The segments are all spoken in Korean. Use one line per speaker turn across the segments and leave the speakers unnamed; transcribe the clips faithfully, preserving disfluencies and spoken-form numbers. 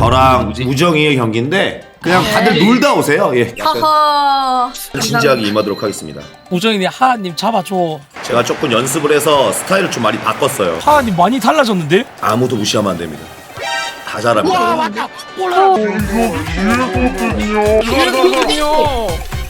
저랑 우정이의 경기인데 그냥 다들 놀다 오세요. 예.
하하.
진지하게 임하도록 하겠습니다.
우정이님 하하님 잡아줘.
제가 조금 연습을 해서 스타일을 좀 많이 바꿨어요.
하하님 많이 달라졌는데?
아무도 무시하면 안 됩니다. 다 잘합니다.
와 맞다. 올라. 이거든요.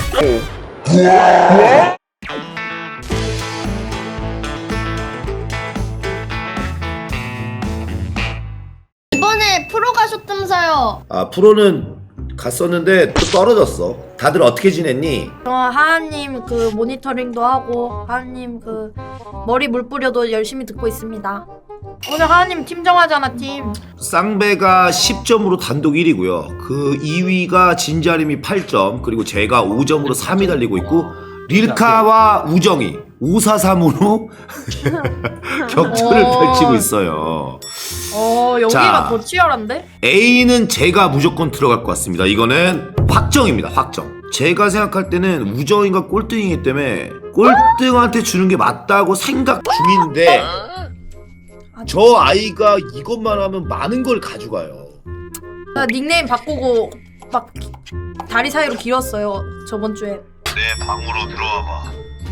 이번에 프로 가셨다면서요.
아 프로는 갔었는데 또 떨어졌어. 다들 어떻게 지냈니?
저 하하님 그 모니터링도 하고 하하님 그 머리 물 뿌려도 열심히 듣고 있습니다. 오늘 하하님 팀 정하잖아 팀.
쌍배가 십 점으로 단독 일 위고요. 그 이 위가 진자림이 팔 점, 그리고 제가 오 점으로 삼 위 달리고 있고 릴카와 우정이 오 사 삼으로 격투를
어.
펼치고 있어요.
어 여기가
자.
더 치열한데?
A는 제가 무조건 들어갈 것 같습니다. 이거는 확정입니다. 확정. 제가 생각할 때는 우정이가 꼴등이기 때문에 꼴등한테 주는 게 맞다고 생각 중인데 저 아이가 이것만 하면 많은 걸 가져가요.
나 닉네임 바꾸고 막 다리 사이로 길었어요 저번 주에.
내 방으로 들어와봐.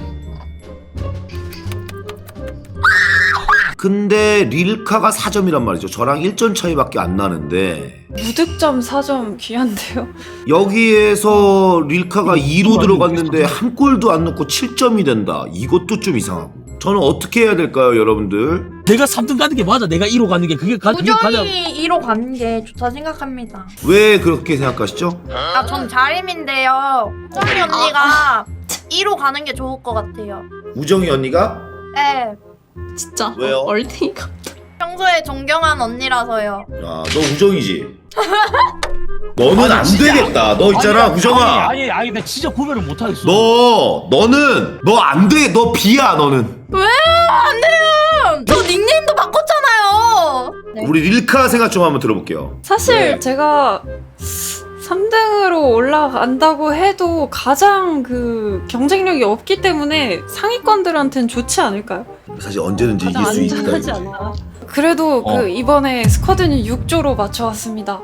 근데 릴카가 사 점이란 말이죠. 저랑 일 점 차이밖에 안 나는데
무득점 사 점 귀한데요?
여기에서 릴카가 이로 들어갔는데 한 골도 안 넣고 칠 점이 된다. 이것도 좀 이상하고. 저는 어떻게 해야 될까요, 여러분들?
내가 삼 등 가는 게 맞아. 내가 일 호 가는 게 그게 가 그게 가장.
우정이 일 호 가는 게 좋다 생각합니다.
왜 그렇게 생각하시죠?
아 전 자림인데요. 우정이 언니가 일 호 가는 게 좋을 것 같아요.
우정이 언니가?
네.
진짜
왜요?
얼탱이가
평소에 존경한 언니라서요.
야, 너 우정이지? 너는 안 되겠다. 너 있잖아,
아니,
우정아.
아니 아니 아니 나 진짜 구별을 못 하겠어.
너, 너는 너 안 돼. 너 비야, 너는.
왜요? 안 돼요. 저 닉네임도 바꿨잖아요. 네.
우리 릴카 생각 좀 한번 들어볼게요.
사실
네.
제가 삼 등으로 올라간다고 해도 가장 그 경쟁력이 없기 때문에 상위권들한테는 좋지 않을까요?
사실 언제든지
가장
이길 수 있다.
안전하지
이거지.
않아. 그래도
어.
그 이번에 스쿼드는 육 조로 맞춰왔습니다.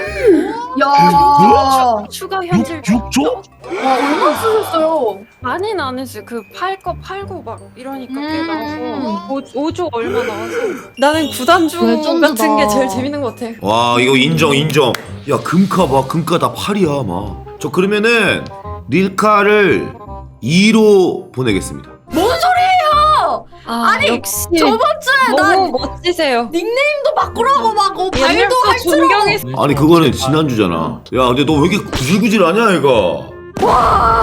야.
추가 현질
육 조?
와 얼마 쓰셨어요?
많이는 안 했어요. 그 팔 거 팔고 막 이러니까 꽤
음.
나와서 오 조 얼마 나와서 나는 구단주
레전드다.
같은 게 제일 재밌는 것 같아.
와, 이거 인정, 인정. 야, 금카 봐. 금카 다 팔이야, 막. 저 그러면은 릴카를 이로 보내겠습니다.
뭔 소리예요?
아,
아니,
역시
저번 주에 나
너무 멋지세요.
닉네임도 바꾸라고 막 어, 발도
옛날부터
할 줄.
존경했어.
아니, 그거는 지난주잖아. 야, 근데 너 왜 이렇게 구질구질하냐, 얘가? 와.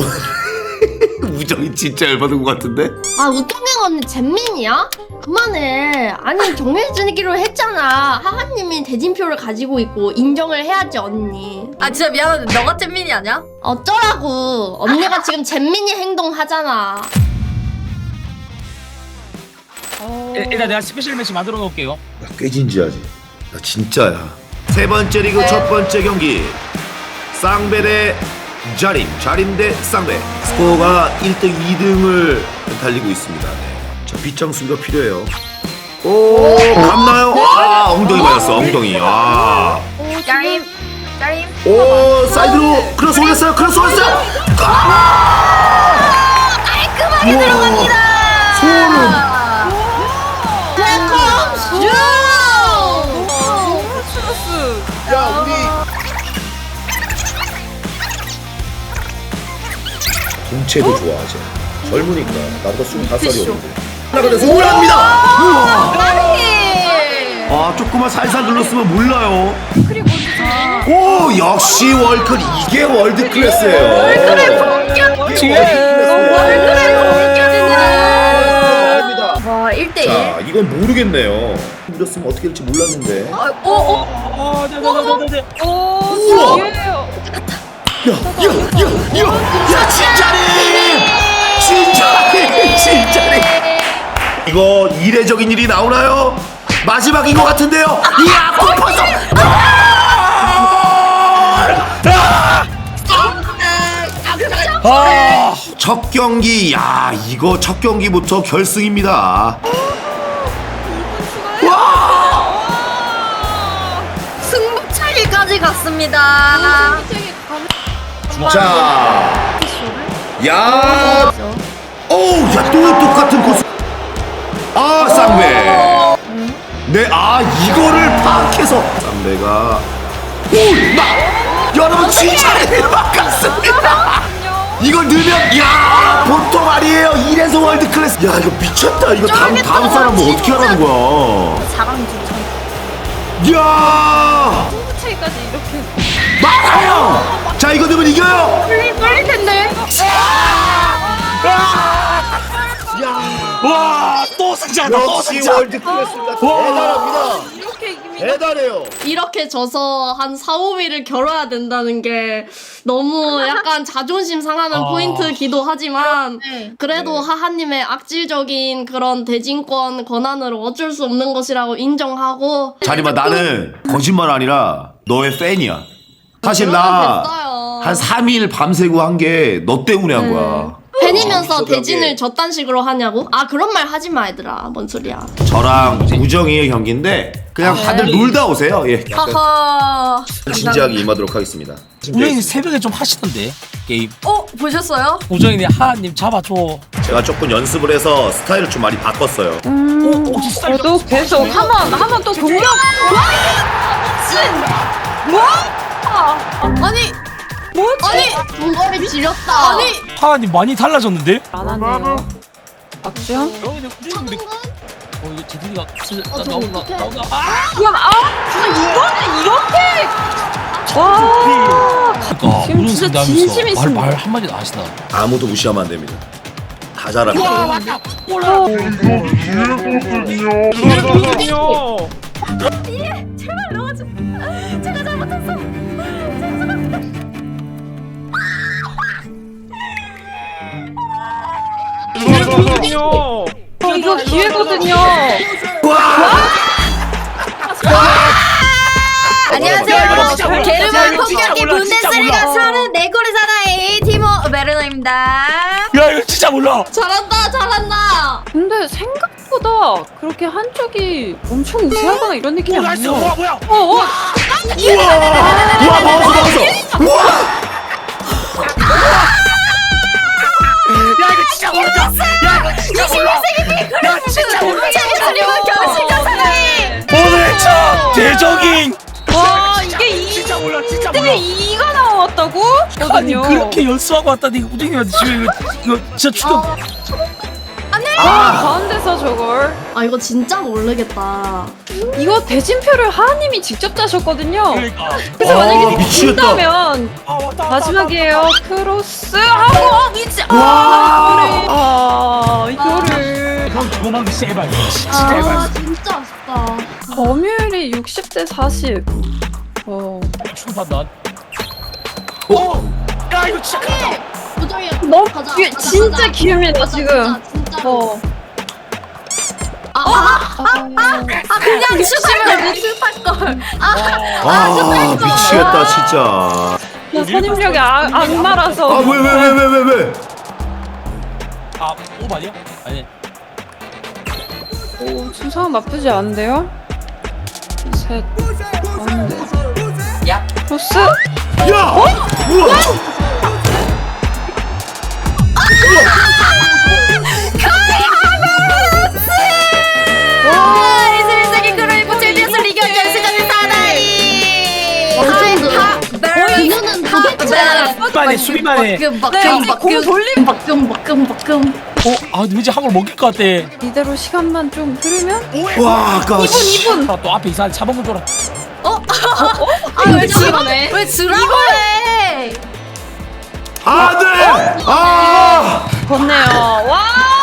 우정이 진짜 열받은 것 같은데?
아 우통경 언니 잼민이야? 그만해. 아니 정해주기로 했잖아. 하하님이 대진표를 가지고 있고 인정을 해야지 언니.
아 진짜 미안한데 너가 잼민이 아니야?
어쩌라고. 언니가 지금 잼민이 행동하잖아.
일- 일단 내가 스페셜 매치 만들어 놓을게요.
야, 꽤 진지하지. 야, 진짜야. 세 번째 리그 첫 번째 경기. 쌍배 대 자림, 자림 대 쌍배. 스코어가 일 등, 이 등을 달리고 있습니다. 네. 자, 빗장 수비가 필요해요. 오, 갔나요? 아, 엉덩이 맞았어, 엉덩이. 아.
짜림 짜림.
오, 사이드로 크로스 올렸어요, 크로스 올렸어요. 아! 깔끔하게 들어갑니다. 소름. 야, 우리 동체도 좋아하지. 젊으니까 나보다 스물다섯 살이었는데. 나 근데 소홀합니다. 우와. 아, 조금만 살살 눌렀으면 몰라요. 오, 역시 월클. 이게 월드 클래스예요. 월클의 본격.
와 일 대 일.
자, 이건 모르겠네요. 눌렀으면 어떻게 될지 몰랐는데.
어, 어,
어, 네, 네, 네, 네, 네.
오,
우와.
기회예요.
야, 야, 야, 야, 야, 진짜님! 진짜님! 진짜님! 이거 이례적인 일이 나오나요? 마지막인 것 같은데요? 이야, 골퍼서!
아,
첫 경기, 야, 이거 첫 경기부터 결승입니다.
승부 차이 칠까지 갔습니다.
자, 야, 어우, 야, 또 똑같은 코스. 아, 쌍배. 네, 아, 이거를 파악해서 쌍배가 오, 막 여러분 진짜 막았습니다. 이걸 넣으면 야, 보통 아니에요. 이래서 월드 클래스. 야, 이거 미쳤다. 이거 다음 다음 사람 뭐 어떻게 하라는 거야?
사강 추천.
야,
승부 차이까지 이렇게.
막아요. 자, 이거 넣으면 이겨요.
빨리 빨리 텐데.
와, 또 승자다. 또
역시
승자.
월드 클래스입니다. 대단합니다.
이렇게 이깁니다.
대단해요.
이렇게 져서 한 사, 오 위를 겨뤄야 된다는 게 너무 약간 자존심 상하는
아.
포인트기도 하지만
네.
그래도
네.
하하님의 악질적인 그런 대진권 권한으로 어쩔 수 없는 것이라고 인정하고
자리마, 나는 거짓말 아니라 너의 팬이야. 사실 나 한 삼 일 밤새고 한 게 너 때문에 한 거야.
팬이면서
어,
대진을 저딴 식으로 하냐고? 아 그런 말 하지 마 얘들아. 뭔 소리야.
저랑 우정이의 경기인데 그냥 다들 놀다 오세요. 예.
하하.
진지하게 임하도록 하겠습니다.
우정이님 새벽에 좀 하시던데 게임.
어 보셨어요?
우정이님 하하님 잡아줘.
제가 조금 연습을 해서 스타일을 좀 많이 바꿨어요.
오, 혹시 스타일
저도 계속 한번 한번 또 공격.
아니
뭐지?
아니
동거리 지렸다.
아니
하하님 많이 달라졌는데?
안 하네요. 박지영?
어, 근데 우정이님 근데 어 이거 제들이가
어, 저거
나온다
어떡해.
나온다. 아!
그럼 아 이거는 이렇게. 와.
그러니까
지금
우정
진짜
상대하면서
진심이
말,
있습니다.
말 한마디 안 하시나?
아무도 무시하면 안 됩니다. 다 잘합니다.
와 맞다. 올라.
제발 넣어줘. 제가 잘못했어.
어, 이거 기회거든요.
안녕하세요
야, 이거
여러분.
진짜 몰라.
게르만
야, 이거 진짜
폭격기
몰라, 진짜
분데스리가
몰라.
사는 내골의 사나이 티모 베르너입니다.
야 이거 진짜 몰라.
잘한다 잘한다.
근데 생각보다 그렇게 한쪽이 엄청 우세하거나 이런 느낌이
오 나이스.
아니에요.
뭐야 뭐야.
어, 어.
우와, 먹었어, 먹었어. 우와,
야 이거 진짜 모르다. 야 이거 진짜 몰라. 야 진짜 몰라.
그리고 결승전 사나이.
오늘 첫 대적인.
와, 이게 이
진짜 몰라 진짜 몰라.
근데 이가 나왔다고?
아니
거든요.
그렇게 연습하고 왔다니 우정이한테 지금 이거 이거 진짜 충격.
아, 가운데서 저걸.
아 이거 진짜 모르겠다.
이거 대진표를 하하님이 직접 짜셨거든요.
그러니까.
그래서
아,
만약에
미치겠다.
진다면
아 왔다 왔다.
마지막이에요. 크로스 하고 어, 미치.
와.
아, 이거를
그럼 도망 제발. 진짜
아
제발.
진짜 아쉽다.
점유율이 육십 대 사십. 어.
충 판단. 오. 야 이거 진짜 크다.
도저히
너무
가자,
기-
가자,
진짜
가자.
기회입니다
가자,
지금.
진짜, 진짜.
어.
아, 아,
아 그냥 슈팅을 못 슛할 걸.
아, 미치겠다 진짜.
야, 선임력이 악, 악마라서.
아, 왜, 왜, 왜, 왜, 왜, 왜?
아 오바냐? 아니.
오, 수상 나쁘지 않은데요? 셋. 가운데. 야. 크로스.
야! 우와!
와 이십일 세기 크로이프 챔피언스 리그 결승전 사나이.
그녀는 도대체
수비만해 수비만해.
박금 박금
네, 공
박금
돌림.
박금 박금 박금.
어? 아 근데 왠지 한걸 먹일 것 같아.
이대로 시간만 좀 흐르면
와, 아까 씨.
이분
아, 또 앞에 이상한 차범근 줘라.
아왜 지금
지라네.
왜 지라고 해?
안 돼! 아!
건네요. 와!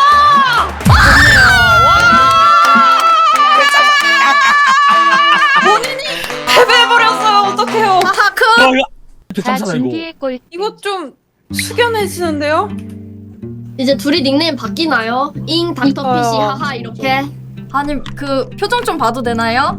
본인이 패배해버렸어요. 어떡해요.
하하크.
어, 야. 이렇게
다
탐사다 이거.
준비했골.
이거 좀 숙연해지는데요?
이제 둘이 닉네임 바뀌나요? 잉 닥터
이뻐요.
피시 하하 이렇게.
아니 그 표정 좀 봐도 되나요?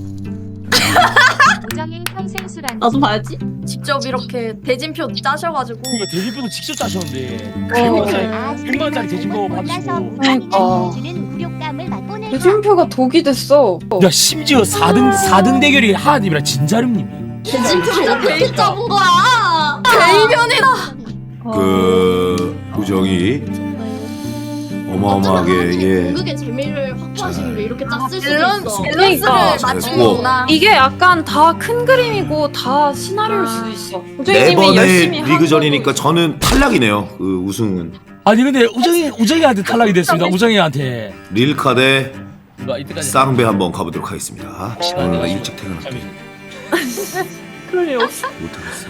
우정인 평생수란.
나도 봐야지.
직접 이렇게 대진표 짜셔가지고
이거 대리표도 직접 짜셨는데.
어.
백만 원짜리 대진표 받으시고.
그러니까.
무력감을 맛보는
대진표가 독이 됐어.
야 심지어 사 등 사 등 대결이 하하님이랑 진자름님이야.
대진표를 어떻게 잡은 거야?
대이변이다.
그 우정이 어마어마하게 예.
공격의 재미를 확보하시기 위해 이렇게 짰을 수도
밸런스,
있어.
밸런스를
그러니까.
맞춘 거구나.
이게 약간 다 큰 그림이고 다 시나리오일 수도 있어.
네
우정이님이 열심히
번의
한
리그전이니까
거고.
저는 탈락이네요. 그 우승은
아니 근데 우정이 우정이한테 탈락이 됐습니다. 우정이한테.
릴카 대
뭐 이때까지
쌍배 한번 가보도록 하겠습니다.
시간이
오늘
가시죠.
일찍 퇴근할게.
그럴 일 없어.
못하겠어.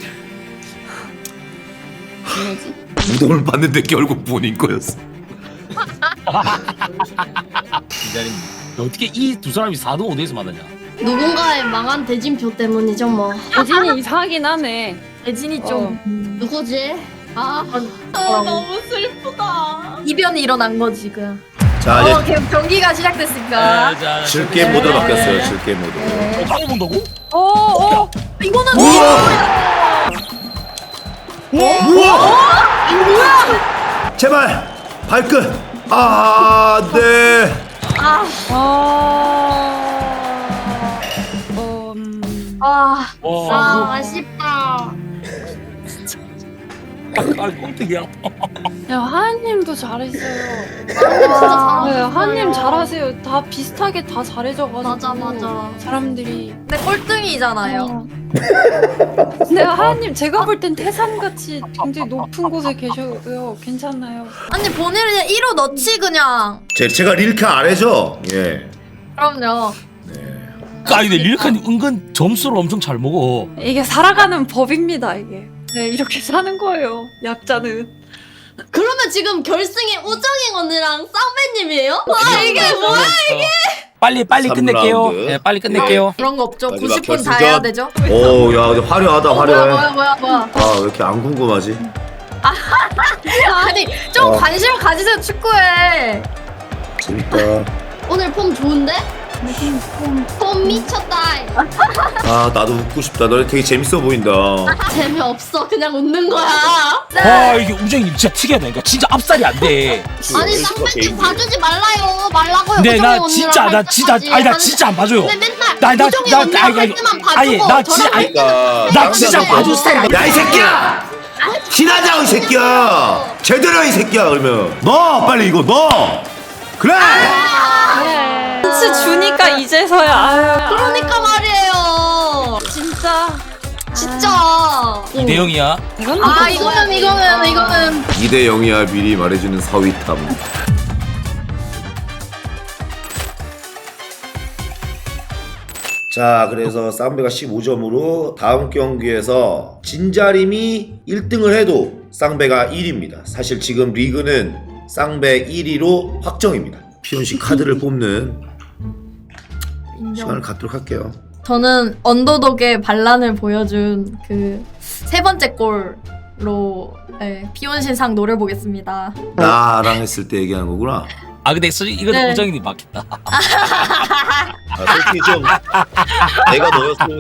뭐지?
우동을 봤는데 결국 본인 거였어.
기다림. 어떻게 이 두 사람이 사 등 오 등에서 만나냐?
누군가의 망한 대진표 때문이죠 뭐.
대진이 이상하긴 하네.
대진이 좀
누구지? 아,
아,
너무 슬프다.
이변이 일어난 거지 그.
자
어,
이제
경- 경기가 시작됐으니까.
자,
질게 모드로 바뀌었어요. 질게 모드.
어, 따로 본다고?
어, 어.
이거는
우와! 우와! 이거 뭐야? 제발 발끝. 아, 네.
아,
아. 어, 음.
아,
와,
아, 아쉽다.
아, 꼴등이야.
야, 하은님도 잘했어요.
진짜 잘하셨어요.
네, 하은님 잘하세요. 다 비슷하게 다 잘해줘가지고.
맞아, 맞아.
사람들이.
근데 꼴등이잖아요.
어. 근데 하은님 제가 볼 땐 태산같이 굉장히 높은 곳에 계셔요. 괜찮나요?
아니 본인은 그냥 일 호 넣지 그냥.
제 제가 릴카 아래죠? 예.
그럼요.
아, 근데 릴칸이 은근 점수를 엄청 잘 먹어.
이게 살아가는 법입니다. 이게. 네, 이렇게 사는 거예요. 약자는.
그러면 지금 결승에 우정이 언니랑 쌍배님이에요? 아, 이게 뭐야?
빨리 빨리
삼
끝낼게요.
라운드.
네, 빨리 끝낼게요.
그런 거 없죠.
마지막
구십 분 다
결승전.
해야 되죠.
오, 야, 근데 화려하다,
어, 뭐야
화려해.
뭐야 뭐야 뭐야.
아, 왜 이렇게 안 궁금하지?
아니 좀
어.
관심 가지세요 축구에.
재밌다.
오늘 폼 좋은데? 폼 미쳤다.
아, 나도 웃고 싶다. 너네 되게 재밌어 보인다.
재미없어. 그냥 웃는 거야.
아, 이게 우정이 진짜 특이하다. 그러니까 진짜 압살이 안 돼.
아니, 쌍배님 봐주지 말라요. 말라고요.
근데
우정이
나
언니랑
진짜 나
할
진짜
때까지
아니 나
하는-
진짜 안 봐줘요.
근데 맨날
나- 나-
우정이
나-
언니랑
아니,
할
아니,
때만
아니,
봐주고
나
저랑
진짜-
할 때는
나 진짜
봐주세요.
봐줄 스타일이
야, 이 새끼야! 신하자, 이 새끼야! 제대로, 이 새끼야, 그러면. 넣어! 빨리 이거 넣어! 그래!
눈치 주니까 이제서야. 아유.
그러니까 말이에요.
진짜.
진짜.
이 대 영이야.
이건
아 이거는 이거는 이거는
이 대 영이야 미리 말해주는 서위탐. 자, 그래서 쌍배가 십오 점으로 다음 경기에서 진자림이 일 등을 해도 쌍배가 일 위입니다. 사실 지금 리그는 쌍배 일 위로 확정입니다. 피온씨 카드를 뽑는 시간을 갖도록 할게요.
저는 언더독의 반란을 보여준 그 세 번째 골로 네, 비온신상 노려보겠습니다.
나랑 했을 때 얘기하는 거구나.
아, 근데 솔직히 이건
네.
우정이님 맞겠다.
아, 솔직히 좀 내가 너였으면.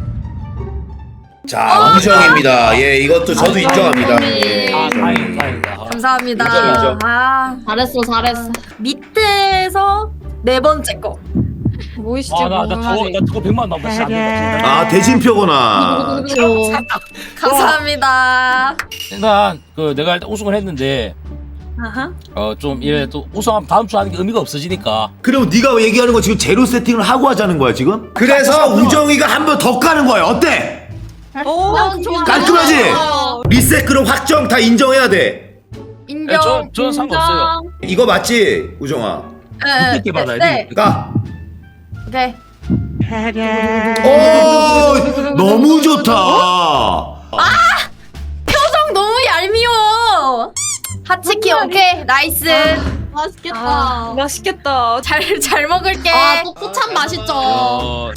자, 우정입니다. 예, 이것도 저도 인정합니다. 예,
아,
인정.
다행이다, 다행이다.
감사합니다.
인정, 인정.
아
잘했어, 잘했어.
밑에서 네 번째 거.
뭐이시지?
아, 나, 나 저거, 나 저거 백만 나면 진짜 안 된다.
아, 대진표구나.
감사합니다.
일단 그 내가 일단 우승을 했는데
아하.
어 좀 이래 또 우승하면 다음 주 하는 게 의미가 없어지니까.
그럼 네가 얘기하는 거 지금 제로 세팅을 하고 하자는 거야 지금? 그래서 우정이가 한 번 더 까는 거야. 어때?
오,
난 좋아.
깔끔하지?
좋아요.
리셋 그럼 확정 다 인정해야 돼.
인정.
네, 저 저는 상관없어요.
이거 맞지, 우정아?
네,
늦게 받아야
네.
돼.
까.
오케이.
오, 너무 좋다.
표정 너무 얄미워. 하치키 오케이 나이스.
맛있겠다.
아, 맛있겠다.
잘 잘 먹을게.
아, 뽀뽀 참 맛있죠.
어,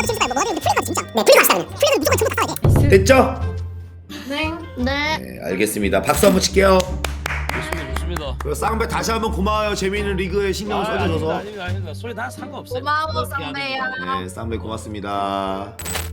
됐죠?
네. 네.
네, 알겠습니다. 박수 한번 칠게요.
좋습니다, 좋습니다.
그리고 쌍배 다시 한번 고마워요. 재미있는 리그에 신경을
아닙니다,
써주셔서.
아닙니다, 아닙니다. 소리 다 상관없어요.
고마워
그렇게
쌍배야.
하는 거.
네, 쌍배 고맙습니다.